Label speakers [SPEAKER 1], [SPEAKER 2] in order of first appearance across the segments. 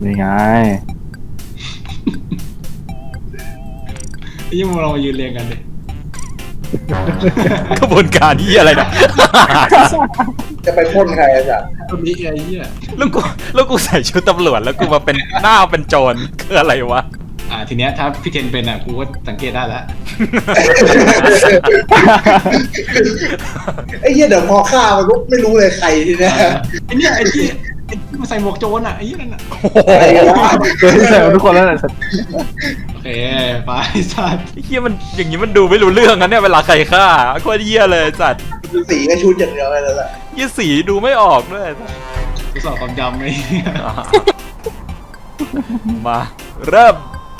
[SPEAKER 1] นี่ไง
[SPEAKER 2] ยิ่งเรามายืนเรียงกันเลย
[SPEAKER 3] กระบวนการที่อะไรนะ
[SPEAKER 4] จะไปพ่นใครอะจ๊ะ
[SPEAKER 2] ตรงนี้ไอ้เหี้ย
[SPEAKER 3] แล้วกูใส่ชุดตำรวจแล้วกูมาเป็นหน้าเป็นโจรคืออะไรวะ
[SPEAKER 2] ทีเนี้ยถ้าพี่เทนเป็นกูก็สังเกตได้แล้ว
[SPEAKER 4] ไอ้เหี้ยเดี๋ยวพอฆ่ามันก็ไม่รู้เลยใครทีเนี้ย
[SPEAKER 2] ไอ้เนี่ยไอ้ที่มาใส่หมวกโจรไอ้ยี่นั่น
[SPEAKER 4] ใครวะ
[SPEAKER 1] เจอแซวทุกคนแล้วนะ
[SPEAKER 2] โอเคไปสัตว์
[SPEAKER 3] ไอ้เฮียมันอย่างนี้มันดูไม่รู้เรื่องนะเนี่ยเวลาใครฆ่าโคตรเฮียเลยสัตว์
[SPEAKER 4] สีก็ชุดอย่างเดียวเลยแล้วแหละ
[SPEAKER 3] เฮียสีดูไม่ออกด้วย
[SPEAKER 2] กูสอบความจำไอ้เหี้ย
[SPEAKER 3] มาเริ่ม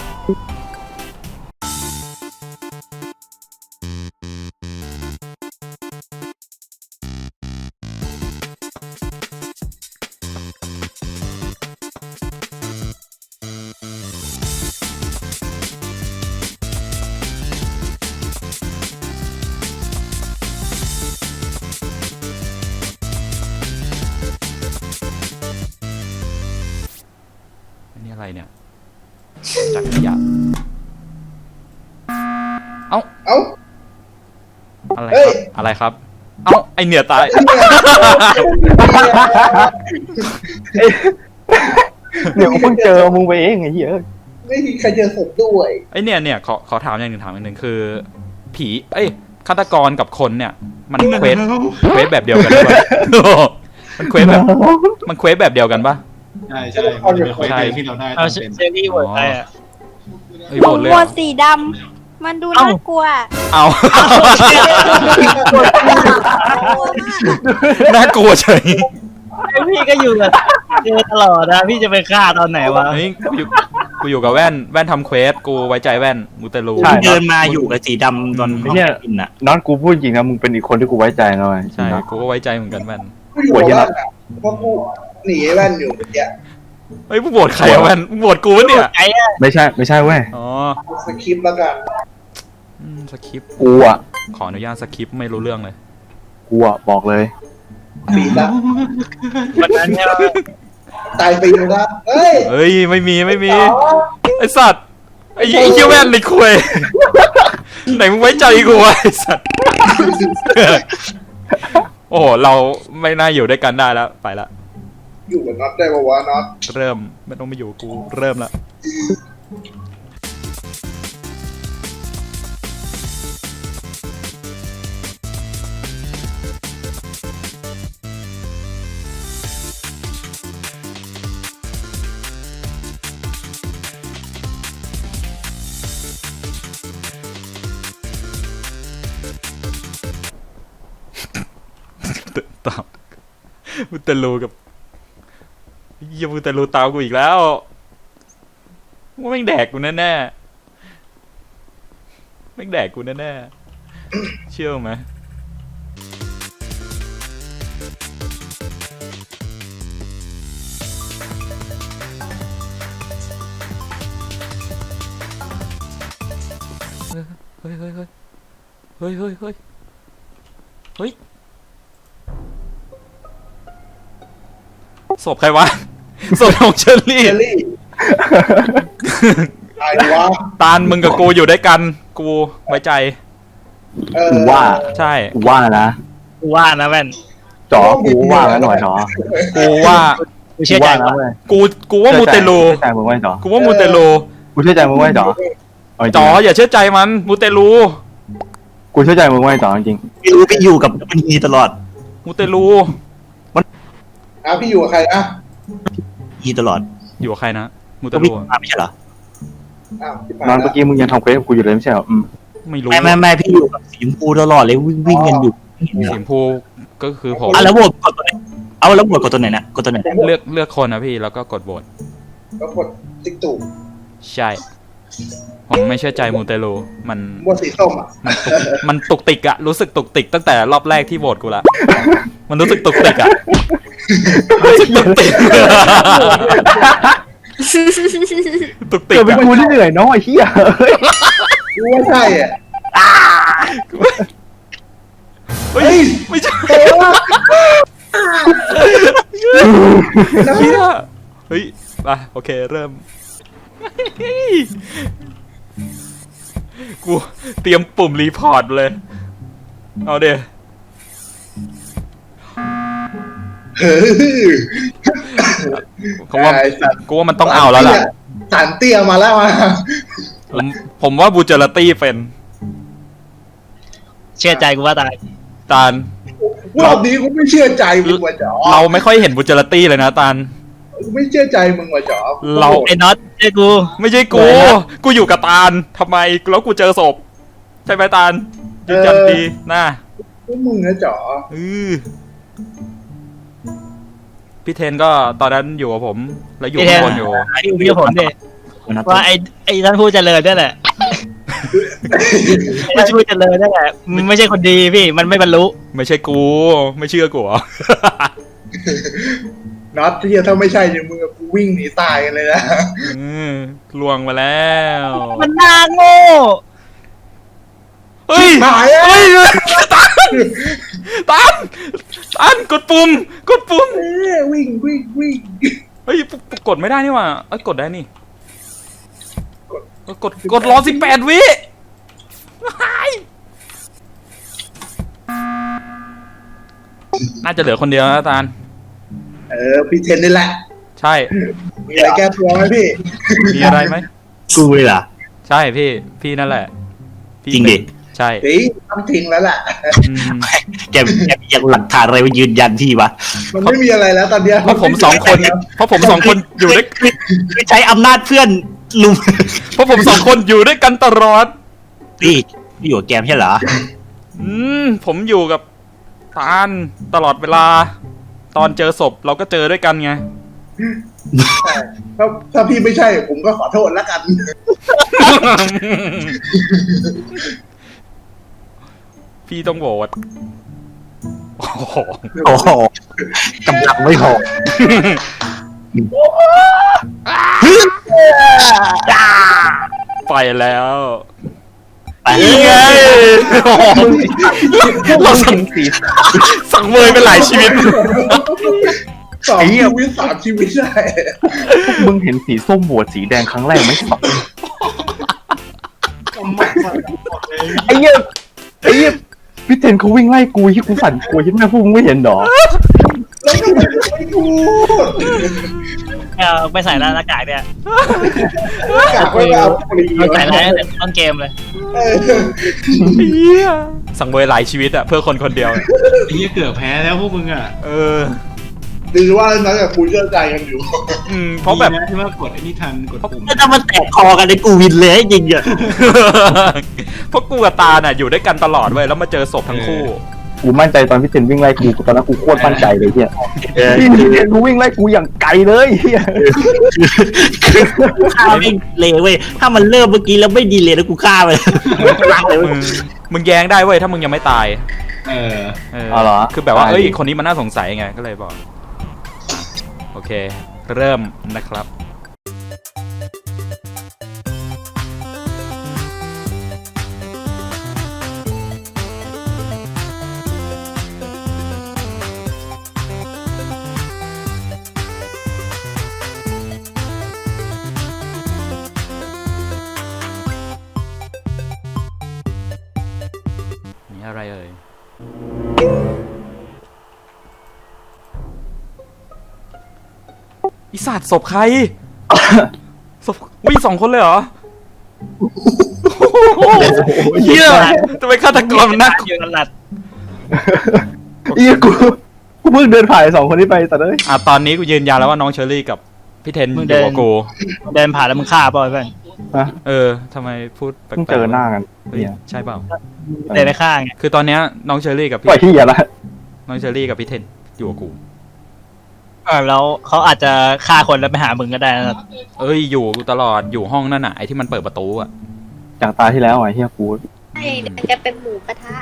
[SPEAKER 3] อันนี้อะไรเนี่ยจากขยะเอ้า
[SPEAKER 4] เอ้า
[SPEAKER 3] อะไร
[SPEAKER 4] เฮ้
[SPEAKER 3] ครั
[SPEAKER 4] ย
[SPEAKER 3] บอะไรครับ เอ้าไอเหนือตาย
[SPEAKER 1] เดี๋ยวกูเพิ่งเจอมึงไปเองไอ้เหี้ย
[SPEAKER 4] ไม่มีใครเจอศพด้วย
[SPEAKER 3] ไอเนี่ยขอถามอย่างหนึ่งคือ ผีเอ้ยฆาตกรกับคนเนี่ย มันเควสแบบเดียวกันปะ มันเควสแบบเดียวกันปะ
[SPEAKER 2] ใช่มันเป็นคนที่เราได้
[SPEAKER 5] เอา
[SPEAKER 2] ตาม
[SPEAKER 5] เช
[SPEAKER 2] เป็น
[SPEAKER 5] อรี่โหวตใครอ่ะ
[SPEAKER 3] เอ้ย
[SPEAKER 6] ผ
[SPEAKER 3] โหว
[SPEAKER 6] ม
[SPEAKER 3] ตเลย
[SPEAKER 6] โหว
[SPEAKER 3] เหรอ
[SPEAKER 6] ตสีดำ มันดูน่ากลัว
[SPEAKER 3] เอา น่ากลัวเฉย
[SPEAKER 5] พี่ก็อยู่กับเจอตลอดนะพี่จะไปฆ่าตอนไหนวะ
[SPEAKER 3] เฮ้ยกูอยู่กับแว่นทำเควสกูไว้ใจแว่นมูเตลู
[SPEAKER 5] เดินมาอยู่กับสีดำตอนห้องแอดมินอ่ะ
[SPEAKER 1] น้องกูพูดจริงนะมึงเป็นอีกคนที่กูไว้ใจหน่อย
[SPEAKER 3] ใช่กูก็ไว้ใจเหมือนกันแว่น
[SPEAKER 4] กูอยู่กับแว่นอะเพราะกูหนีไอ้แว่นอยู่เมื่อกี้
[SPEAKER 3] เฮ้ยมึงโหวตใครอะแว่นมึงโหวตกูวะเนี่ย
[SPEAKER 5] ไอ้อะ
[SPEAKER 1] ไม่ใช่เว้ย
[SPEAKER 3] อ๋อ
[SPEAKER 4] สคริปต์แล้วกัน
[SPEAKER 3] สคริปต์
[SPEAKER 1] กูอ่ะ
[SPEAKER 3] ขออนุญาตสคริปต์ไม่รู้เรื่องเลย
[SPEAKER 1] บอกเลย
[SPEAKER 4] ปีละ
[SPEAKER 5] วันนั้นเนี่ย
[SPEAKER 4] ตายปีนึงละเฮ้ย
[SPEAKER 3] เฮ้ยไม่มีไอสัตว์ไอ้เหี้ยแว่นในคุยไหนมึงไว้ใจกูวะไอสัตว์ โอ้โหเราไม่น่าอยู่ด้วยกันได้แล้วไปละ
[SPEAKER 4] อยู่กับน็อตได้ปะวะน็อต
[SPEAKER 3] เริ่มไม่ต้องมาอยู่กับกูเริ่มละ ตามมุตเตลูกับเยี่ยมุตเตลูตามกูอีกแล้วว่าแม่งแดกกูแน่ๆแม่งแดกกูแน่ๆเชื่อไหมเฮ้ยศพใครวะ ศพของเชอรี่
[SPEAKER 4] เจลลี่ตายวะ
[SPEAKER 3] ตาลมึงกับกูอยู่ด้วยกัน กูไว้ใจ
[SPEAKER 1] กูว่า
[SPEAKER 3] ใช่
[SPEAKER 1] กูว่านะ
[SPEAKER 5] กูว่านะแว่น
[SPEAKER 1] จ๋อกูว่าแล้วหน่อยจ๋อ
[SPEAKER 3] กูว่า
[SPEAKER 5] กูเชื่อใจ
[SPEAKER 1] นะ
[SPEAKER 5] ว่า
[SPEAKER 1] เว้ย
[SPEAKER 3] กูว่ามูเตลู
[SPEAKER 1] เชื่อใจมึงไว้จ๋อ
[SPEAKER 3] กูว่ามูเตลู
[SPEAKER 1] กูเชื่อใจมึงไว้จ๋อเอาจริงๆ
[SPEAKER 3] จ๋ออย่าเชื่อใจมันมูเตลู
[SPEAKER 1] กูเชื่อใจมึงไว้จ๋อจริง
[SPEAKER 5] ไม่รู้ไปอยู่กับมันนีตลอด
[SPEAKER 3] มูเตลู
[SPEAKER 4] พี่อยู่กับใครนะ
[SPEAKER 5] นีตลอด
[SPEAKER 3] อยู่กับใครนะมูเต
[SPEAKER 5] ก็
[SPEAKER 3] ลู
[SPEAKER 5] วิ่งมาไม่ใช่เหรอ
[SPEAKER 4] อ้าวที่
[SPEAKER 1] ๆนอนเมื่อกี้มึงยังทำเควสกับกูอยู่เลยไม่ใช่เหรอ
[SPEAKER 3] ไม่รู้
[SPEAKER 5] ไม่พี่อยู่กับสีชมพูตลอดเลยวิ่งกันอยู่
[SPEAKER 3] สีชมพูก็คือผม
[SPEAKER 5] แล้วโหวตกดตัวไหนเอาแล้วโหวตกดตัวไหนนะกดตัวไหน
[SPEAKER 3] เลือกคนนะพี่แล้วก็กดโหวต
[SPEAKER 4] ก็กดติ๊กตู่
[SPEAKER 3] ใช่ผมไม่เชื่อใจมูเตลูมัน
[SPEAKER 4] บนสีส้มอ่ะ
[SPEAKER 3] มันตุกติกอะรู้สึกตุกติกตั้งแต่รอบแรกที่โหวตกูละมันรู้สึกตุกติกอะรู้สึกตุกติกตุกติก
[SPEAKER 1] เกิดเป็น
[SPEAKER 3] อะ
[SPEAKER 1] กูที่เหนื่อยน้องไอ้เหี้ย
[SPEAKER 4] กูว่าใช่อ่ะ
[SPEAKER 3] เฮ้ยไม่ใช่
[SPEAKER 4] เฮ้ยวะ
[SPEAKER 3] เหี้ยเฮ้ยโอเคเริ่ม กูเตรียมปุ่มรีพอร์ตเลย เอาเดี๋ยว
[SPEAKER 4] เฮ้ย
[SPEAKER 3] เขาว่า
[SPEAKER 4] ไอ้สัตว์
[SPEAKER 3] กูว่ามันต้องเอาแล้วล่ะ
[SPEAKER 4] สารเตี้ยมาแล้วมา
[SPEAKER 3] ผมว่าบูเจอร์ตี้เป็น
[SPEAKER 5] เชื่อใจกูว่าตาย
[SPEAKER 3] ตาล
[SPEAKER 4] รอบนี้กูไม่เชื่อใจมึงว่ะจ๋อ
[SPEAKER 3] เราไม่ค่อยเห็นบูเจอร์ตี้เลยนะตาล
[SPEAKER 4] กูไม่เชื่อใจมึงว่ะจ๋อ
[SPEAKER 3] เรา
[SPEAKER 5] ไอ้น็อตเชื่อกู
[SPEAKER 3] ไม่ใช่กู กูอยู่กับตาลทำไมแล้วกูเจอศพ ใช่ไหมตาลยืนยันดีนะ
[SPEAKER 4] พวกมึงนะจ๋อ
[SPEAKER 3] พี่เทนก็ตอนนั้นอยู่กับผม แล้วอยู่ข้างบนอยู่
[SPEAKER 5] ไอ้พี่ผมดิว่าไอ้ท่านผู้เจริญนี่แหละไม่ใช่ผู้เจริญนี่แหละมันไม่ใช่คนดีพี่มันไม่บรรลุ
[SPEAKER 3] ไม่ใช่กู ไม่เชื่อกูเหรอ
[SPEAKER 4] น็อตที่ถ้าไม่ใช่เนี่ยมึงกับกูวิ่งหนีตายกันเลยนะ
[SPEAKER 3] ลวงมาแล้ว
[SPEAKER 5] มันน่าโง่
[SPEAKER 3] เฮ้ย
[SPEAKER 4] หายอ่ะ
[SPEAKER 3] เฮ้ยตันกดปุ่ม
[SPEAKER 4] วิ่ง
[SPEAKER 3] เฮ้ยกดไม่ได้นี่หว่าเอ้ยกดได้นี่กดรอ18 วิน่าจะเหลือคนเดียวนะตาล
[SPEAKER 4] พี่เทนนี่แหละ
[SPEAKER 3] ใช่
[SPEAKER 4] มีอะไรแก้ตัวไหมพี่
[SPEAKER 3] มีอะไรไหม
[SPEAKER 5] กูเลยเหรอ
[SPEAKER 3] ใช่พี่นั่นแหละพี่
[SPEAKER 5] จริงดิ
[SPEAKER 3] ใช่
[SPEAKER 4] เฮ้ยต้องทิ้งแล้วแหละ
[SPEAKER 3] อืม
[SPEAKER 5] แกยังหลักฐานอะไรมายืนยันที่วะ
[SPEAKER 4] มันไม่มีอะไรแล้วตอนเนี้ย
[SPEAKER 3] เพราะผมสองคนอยู่ด้วย
[SPEAKER 5] คือใช้อำนาจเพื่อนลุม
[SPEAKER 3] เพราะผมสองคนอยู่ด้วยกันตลอด
[SPEAKER 5] พี่อยู่กับแกมใช่เหรอ
[SPEAKER 3] ผมอยู่กับตาลตลอดเวลา ตอนเจอศพเราก็เจอด้วยกันไง
[SPEAKER 4] ถ้าพี่ไม่ใช่ผมก็ขอโทษแล้วกัน
[SPEAKER 3] พี่ต้องโหวตโอ้โห
[SPEAKER 5] โอ้โหกำลังไม่พอ
[SPEAKER 3] ไปแล้ว
[SPEAKER 5] ไป
[SPEAKER 3] นี่ไงโอ้โหเราสั่งเมยไปหลายชีวิต
[SPEAKER 4] 2 ชีวิต 3 ชีวิตได้
[SPEAKER 1] มึงเห็นสีส้มโหวตสีแดงครั้งแรกไหมสับ
[SPEAKER 2] กำมัดเลย
[SPEAKER 1] ไอ้เหี้ยพี่เทนเขาวิ่งไล่กูที่กูสั่นกูที่แม่พวกมึงไม่เห็นหรอ
[SPEAKER 4] แล้วทำไมมึงไม่พูด
[SPEAKER 5] ไปใส่หน้ากากเนี่ย
[SPEAKER 4] กลับไม่เอาปรี
[SPEAKER 5] ใส่แล้วต้นเกมเลย
[SPEAKER 3] สั่งเมยหลายชีวิตอะเพื่อคนคนเดียว
[SPEAKER 2] ไอ้เหี้ยเกือบแพ้แล้วพวกมึงอ่ะ
[SPEAKER 4] ดีว่านั้นกับกูเชื่อใจกันอยู่
[SPEAKER 3] เพราะแบบ
[SPEAKER 2] ดีนะที่ว่ากดไอ้นี่ทันกดปุ่ม
[SPEAKER 5] ถ้ามันแตกคอกันในกูวินเลยจริงอ่ะ
[SPEAKER 3] เพราะกูกับตาน่ะอยู่ด้วยกันตลอดเว้ยแล้วมาเจอศพทั้งคู่
[SPEAKER 1] กูมั่นใจตอนพี่เทนวิ่งไล่กูตอนนั้นกูโคตรมั่นใจเลยเฮียพี่เทนกูวิ่งไล่กูอย่างไกลเลยเฮีย
[SPEAKER 5] ฆ่าไม่เลยเว้ยถ้ามันเริ่มเมื่อกี้แล้วไม่ดีเลยแล้วกูฆ่าไปรักเลย
[SPEAKER 3] มึงแย้งได้เว้ยถ้ามึงยังไม่ตาย
[SPEAKER 1] อ๋อเหรอ
[SPEAKER 3] คือแบบว่าเอ้ยคนนี้มันน่าสงสัยไงก็เลยบอกโอเค เริ่มนะครับนี่อะไรเอ่ยอีสัตว์ศพใคร ศพวิ่ง2 คนเลยเหรอเฮียทำไมฆาตกรมันน่ากลัว
[SPEAKER 5] อยู่หลัด
[SPEAKER 1] เฮียกูเพิ่งเดินผ่าน2 คนนี้ไปแต่เลย
[SPEAKER 3] ตอนนี้กูยืนยันแล้วว่าน้องเชอรี่กับพี่เทนอยู่กับกู
[SPEAKER 5] เดินผ่านแล้วมึงฆ่าเปล่าเพื่อน
[SPEAKER 1] นะ
[SPEAKER 3] ทำไมพูดแปลก
[SPEAKER 1] เพิ่ง
[SPEAKER 3] ๆ
[SPEAKER 1] เจอหน้ากัน
[SPEAKER 3] เฮ้ย
[SPEAKER 1] เนี่ย
[SPEAKER 3] ใช่เปล่า
[SPEAKER 5] เดินไปฆ่าไง
[SPEAKER 3] คือตอนเนี้ยน้องเชอรี่กับ
[SPEAKER 1] ปล่อย
[SPEAKER 3] พี่
[SPEAKER 1] ที่อย่าละ
[SPEAKER 3] น้องเชอรี่กับพี่เทนอยู่กับกู
[SPEAKER 5] แล้วเขาอาจจะฆ่าคนแล้วไปหามึงก็ได้นะ
[SPEAKER 3] เอ้ยอยู่ตลอดอยู่ห้องนั่นน่ะไอที่มันเปิดประตูอ่ะ
[SPEAKER 1] จากตาที่แล้วไอ้เฮียกู
[SPEAKER 6] ใช่เดี๋ยวจะเป็นหมูกระทะ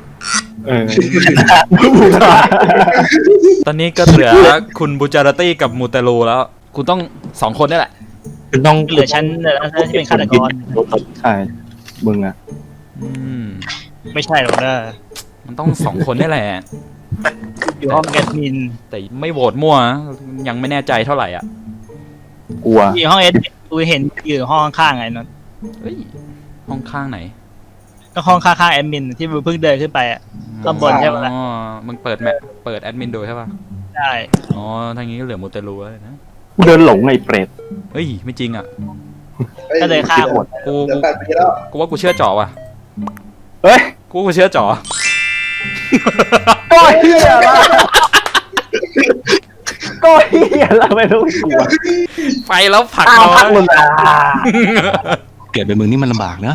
[SPEAKER 3] ตอนนี้ก็เหลือคุณบูจารตี้กับมูเตลูแล้วคุณต้อง2 คนนี่แหละ
[SPEAKER 5] คือต้องเหลือฉันที่เป็นฆาตกร
[SPEAKER 1] ใช่มึงอะ
[SPEAKER 5] ไม่ใช่หรอกนะ
[SPEAKER 3] มันต้อง2 คนนี่แหละ
[SPEAKER 5] อยู่ห้องแอดมิน
[SPEAKER 3] แต่ไม่โหวตมั่วนะยังไม่แน่ใจเท่าไหร่อ่ะ
[SPEAKER 1] กลัว
[SPEAKER 5] อยู่ห้องเอสกูเห็นอยู่ห้องข้างๆไงนนท์
[SPEAKER 3] เฮ้ยห้องข้างไหน
[SPEAKER 5] ก็ห้องข้างๆแอดมินที่มึงเพิ่งเดินขึ้นไปอ่ะ ข้างบนใช่ปะล่ะ
[SPEAKER 3] อ๋อมึงเปิดแอดมินดูใช่ป่ะ
[SPEAKER 5] ใช่
[SPEAKER 3] อ๋อทางนี้ก็เหลือมูเตลูแล้วนะ
[SPEAKER 1] กูเดินหลงไอ้เปรต
[SPEAKER 3] เฮ้ยไม่จริงอ่ะ
[SPEAKER 5] ก็เลยฆ่า
[SPEAKER 1] ปวด
[SPEAKER 3] กู
[SPEAKER 4] เดี๋ยว8 ปีแล้ว
[SPEAKER 3] กูว่ากูเชื่อจ่อว่ะ
[SPEAKER 1] เฮ้ย
[SPEAKER 3] กูเชื่อจ่อ
[SPEAKER 1] ก็เฮียละก็เฮียละไม่รู้กลัว
[SPEAKER 3] ไปแล้วผลัก
[SPEAKER 1] อ้าว
[SPEAKER 3] น้อ
[SPEAKER 1] พั
[SPEAKER 3] ย
[SPEAKER 1] กมึงอ่ะ
[SPEAKER 2] เกิดเป็นมึงนี่มันลำบากนะ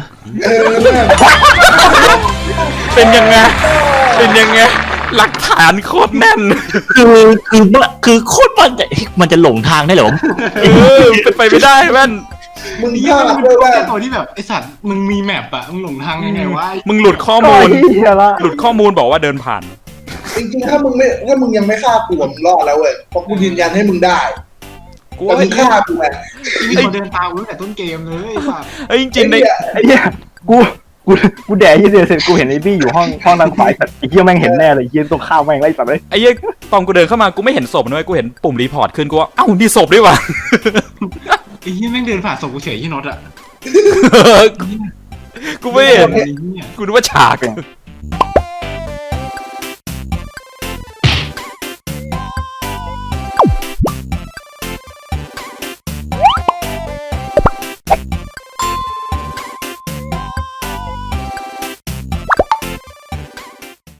[SPEAKER 3] เป็นยังไงเป็นยังไงหลักฐานโคตรแน่น
[SPEAKER 7] คือโคตรมันจะหลงทางได้เหรอ
[SPEAKER 3] เป็นไปไม่ได้แว่น
[SPEAKER 4] มึง
[SPEAKER 2] ไอ้
[SPEAKER 4] พ
[SPEAKER 2] เหี้ย
[SPEAKER 4] ลา
[SPEAKER 2] มั
[SPEAKER 4] ด
[SPEAKER 2] น
[SPEAKER 4] ด้วยว่า
[SPEAKER 2] เป็นตัวที่แบบไอสัตว์มึงมีแมปอะมึงหลงทางยังไงวะ
[SPEAKER 3] มึงหลุดข้อ
[SPEAKER 1] ก็
[SPEAKER 3] มูล
[SPEAKER 1] เฮียละ
[SPEAKER 3] หลุดข้อมูลบอกว่าเดินผ่าน
[SPEAKER 4] จริงๆถ้ามึงยังไม่ฆ่ากูมึงรอดแล้วเว้ยเพราะกูยืนยันให้มึงได้
[SPEAKER 3] กู
[SPEAKER 4] แต่
[SPEAKER 3] ว่า
[SPEAKER 4] มึงฆ่ากูไง
[SPEAKER 2] มีคนเดินตามกูตั้งแต่ต้นเกมเลยไอ้สัตว์
[SPEAKER 3] เอ้ยจริงๆใน
[SPEAKER 1] ไอ้เหี้ยกูแดกยี่เดียวเสร็จกูเห็นไอ้บี้อยู่ห้องทางขวาแต่ไอ้เหี้ยแม่งเห็นแน่เลยไอ้เหี้ยต้องฆ่าแม่งไล่สัตว์เลย
[SPEAKER 3] ไอ้เหี้ยตอนกูเดินเข้ามากูไม่เห็นศพนะเว้ยกูเห็นปุ่มรีพอร์ตขึ้นกูว่าเอ้านี่ศพด้วยว่ะ
[SPEAKER 2] ไอ้เหี้ยแม่งเดินผ่านศพกูเฉยที่น็อตอะ
[SPEAKER 3] กูไม่เห็น
[SPEAKER 2] ไอ้เหี้ย
[SPEAKER 3] กูนึกว่าฉาก